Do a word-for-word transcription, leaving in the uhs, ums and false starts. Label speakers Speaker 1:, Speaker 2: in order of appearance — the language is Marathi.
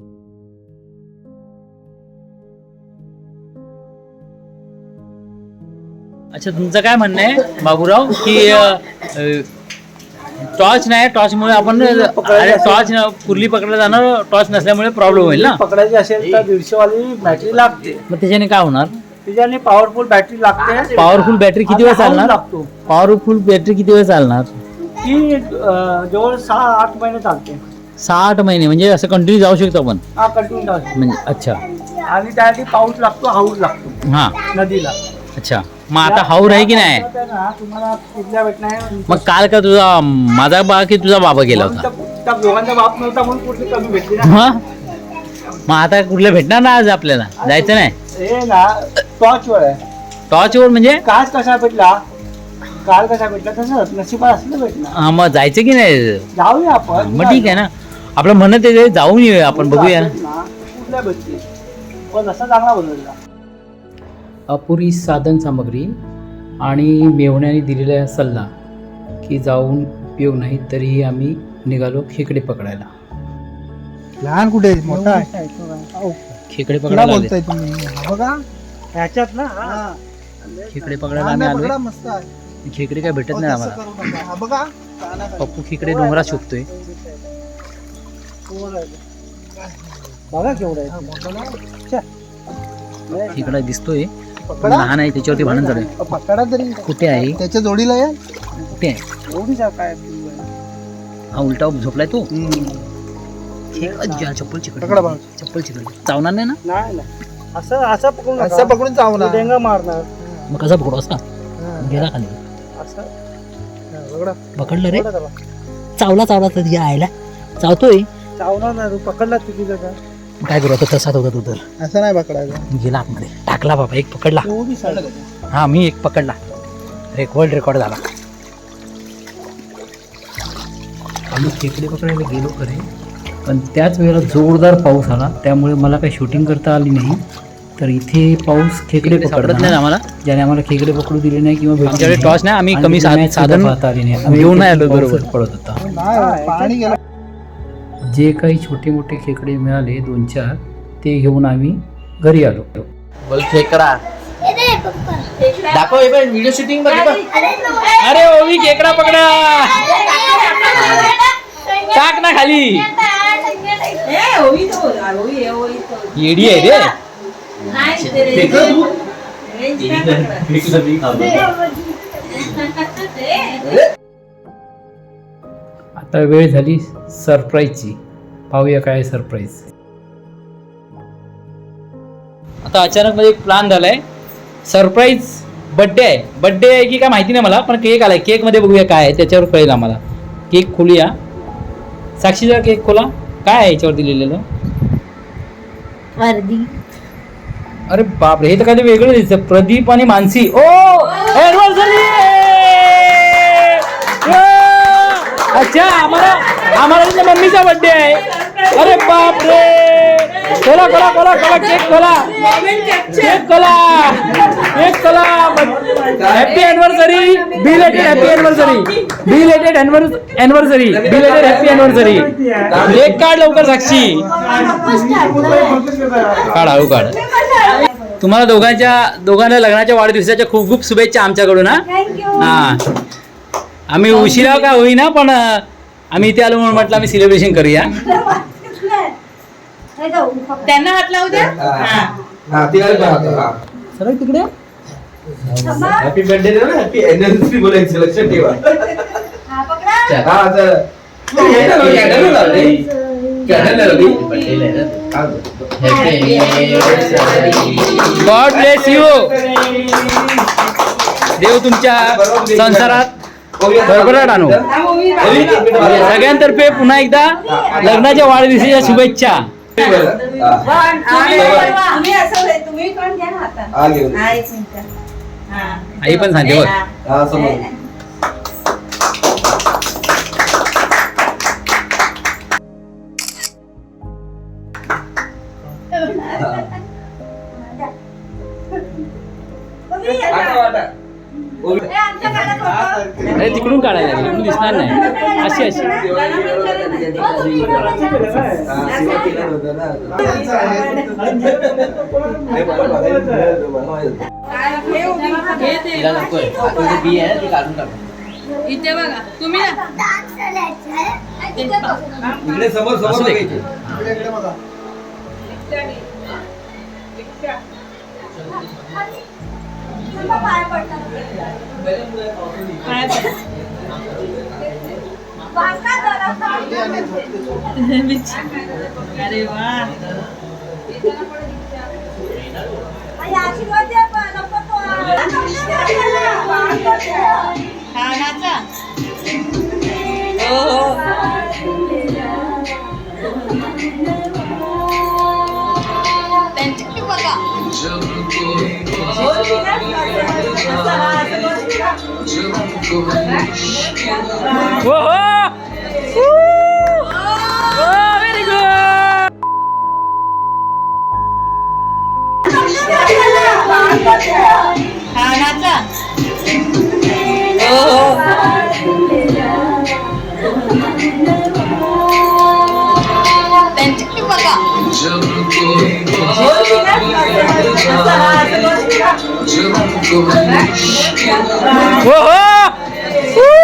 Speaker 1: अच्छा, तुमचं काय म्हणणं आहे बाबूराव की टॉर्च नाही, टॉर्चमुळे आपण टॉर्च कुर्ली पकडायला जाणार, टॉर्च नसल्यामुळे प्रॉब्लेम होईल ना?
Speaker 2: पकडायची असेल तर दीडशे वाली बॅटरी लागते.
Speaker 1: मग त्याच्याने काय होणार?
Speaker 2: त्याच्याने पॉवरफुल बॅटरी लागते.
Speaker 1: पॉवरफुल बॅटरी किती वेळ चालणार?
Speaker 2: लागतो
Speaker 1: पॉवरफुल बॅटरी किती वेळ चालणार?
Speaker 2: ती अं, जवळ सहा आठ महिने चालते.
Speaker 1: सहा आठ महिने म्हणजे असं कंटिन्यू जाऊ शकतो आपण
Speaker 2: हा कंटिन्यू चालते.
Speaker 1: म्हणजे? अच्छा.
Speaker 2: आणि त्यासाठी पाऊस लागतो, हाऊस लागतो
Speaker 1: हा,
Speaker 2: नदीला.
Speaker 1: अच्छा. मग आता हाऊर आहे की नाही?
Speaker 2: तुम्हाला कुठल्या भेटणार?
Speaker 1: मग काल का तुझा माझा बा की तुझा बाबा गेला होता?
Speaker 2: त्या दोघांचा बाप नव्हता म्हणून कुठली कमी भेटली ना.
Speaker 1: हा? मग आता कुठल्या भेटणार ना आज आपल्याला? जायचं नाही?
Speaker 2: हे ना टॉर्च वर आहे.
Speaker 1: टॉर्च वर म्हणजे?
Speaker 2: काल कसा भेटला, काल कसा भेटला तसं नशिबात असलं भेटणार.
Speaker 1: हा, मग जायचं की नाही?
Speaker 2: जाऊया आपण.
Speaker 1: मग ठीक आहे ना, आपलं म्हणत आहे जाऊन येऊया आपण, बघूया ना.
Speaker 2: कुठल्या भेटते पण असा चांगला बनवला.
Speaker 1: अपुरी साधन सामग्री आणि मेवण्याने दिलेला सल्ला की जाऊन उपयोग नाही, तरीही आम्ही निघालो खेकडे पकडायला.
Speaker 2: लहान कुठे मोठा आहे?
Speaker 1: खेकडे पकडायला आले.
Speaker 2: बघा ह्याच्यात ना
Speaker 1: खेकडे पकडायला आम्ही आलोय.
Speaker 2: मस्त आहे.
Speaker 1: खेकडे काय भेटत नाही आम्हाला.
Speaker 2: बघा
Speaker 1: पप्पू खेकडे डोंगरात शोधतोय.
Speaker 2: बघा केवढा आहे.
Speaker 1: खेकडा दिसतोय, लहान आहे, त्याच्यावरती भांडण चालू आहे.
Speaker 2: पकडा तरी
Speaker 1: कुठे आहे?
Speaker 2: त्याच्या जोडीला आहे.
Speaker 1: कुठे आहे?
Speaker 2: जोडीचा काय?
Speaker 1: हा, उलटा झोपलाय तो. चप्पल चिकट, चप्पल चिकट चावणार नाही ना?
Speaker 2: नाही नाही, असं असं पकडून असं पकडून चावणार, डेंगा मारणार.
Speaker 1: मग कसा पकडू? असा गेला खाली,
Speaker 2: असं
Speaker 1: पकडलं रे. चावला चावला तर यायला चावतोय.
Speaker 2: चावणार नाही, पकडला किती जगा.
Speaker 1: काय करू आता? तसाच होता तू तर.
Speaker 2: असं नाही पकडायचं.
Speaker 1: गेला आतमध्ये, टाकला बाबा. एक पकडला. हा, मी एक पकडला. एक वर्ल्ड रेकॉर्ड झाला. आम्ही खेकडे पकडायला गेलो खरे, पण त्याच वेळेला जोरदार पाऊस आला, त्यामुळे मला काही शूटिंग करता आली नाही. तर इथे पाऊस खेकडे पकडत नाही आम्हाला, ज्याने आम्हाला खेकडे पकडू दिले नाही किंवा आमच्याकडे टॉर्च नाही, आम्ही कमी साधन पाहता आली नाही. आम्ही येऊन नाही आलो, बरोबर पडत होता.
Speaker 2: पाणी गेलं.
Speaker 1: जे काही छोटे मोठे खेकडे मिळाले दोन चार, ते घेऊन आम्ही घरी आलो.
Speaker 3: बोल खेकडा दाखव, व्हिडिओ शूटिंग बघ.
Speaker 1: अरे ओवी, खेकडा पकडा. टाक ना खाली. येडी आहे रे. आता वेळ झाली सरप्राईजची. पाहूया काय सरप्राईज. आता अचानक मध्ये एक प्लॅन झालाय. सरप्राईज बड्डे आहे. बड्डे आहे की काय माहिती नाही मला, पण केक आलाय. केक मध्ये बघूया काय आहे, त्याच्यावर कळेल आम्हाला. केक खोलूया. साक्षीचा केक खोला. काय आहे याच्यावरती लिहिलेलं?
Speaker 4: वर्दी.
Speaker 1: अरे बापरे, हे तर काही वेगळं दिसतं. प्रदीप आणि मानसी. ओ एनिव्हर्सरी. अच्छा, आम्हाला आम्हाला तुझ्या मम्मीचा बर्थडे आहे. अरे बापरे. खोला खोला खोला खोला केक खोला. केक खोला. केक खोला. Happy anniversary. Belated happy anniversary. Belated anniversary. Belated happy anniversary. Cake काढ लवकर साक्षी. काढ, हळू काढ. तुम्हाला दोघांच्या दोघांना लग्नाच्या वाढदिवसाच्या खूप खूप शुभेच्छा आमच्याकडून. हा, आम्ही उशिरा का होईना, पण आम्ही इथे आलो म्हणून म्हटलं आम्ही सेलिब्रेशन करूया.
Speaker 4: त्यांना हात लावू द्या.
Speaker 1: सरळ तिकडे.
Speaker 3: हॅपी बर्थडे ना, हॅपी अॅनिव्हर्सरी बोलायचं, लक्षात ठेवा.
Speaker 1: God bless you. देव तुमच्या संसारात भरभराट आणो. सगळ्यांतर्फे पुन्हा एकदा लग्नाच्या वाढदिवसाच्या शुभेच्छा. आई पण सांगते बघ. अरे तिकडून काढायला लागेल, इकडून दिसणार नाही. अशी अशी
Speaker 4: हे ते.
Speaker 1: तिला नकोय. आता ते बी आहे ना, ती काढून टाक.
Speaker 4: इथे बघा तुम्ही ना.
Speaker 3: इकडे समोर
Speaker 1: असू
Speaker 3: समोर
Speaker 1: दे.
Speaker 3: बघायचे.
Speaker 4: काय बघा. अरे वा. हा नाचा. हो हो. त्यांच्याकडे बघा.
Speaker 1: हो हो व्हेरी गुड.
Speaker 4: हा नाचा. हो हो. त्यांच्याकडे बघा.
Speaker 1: हो हो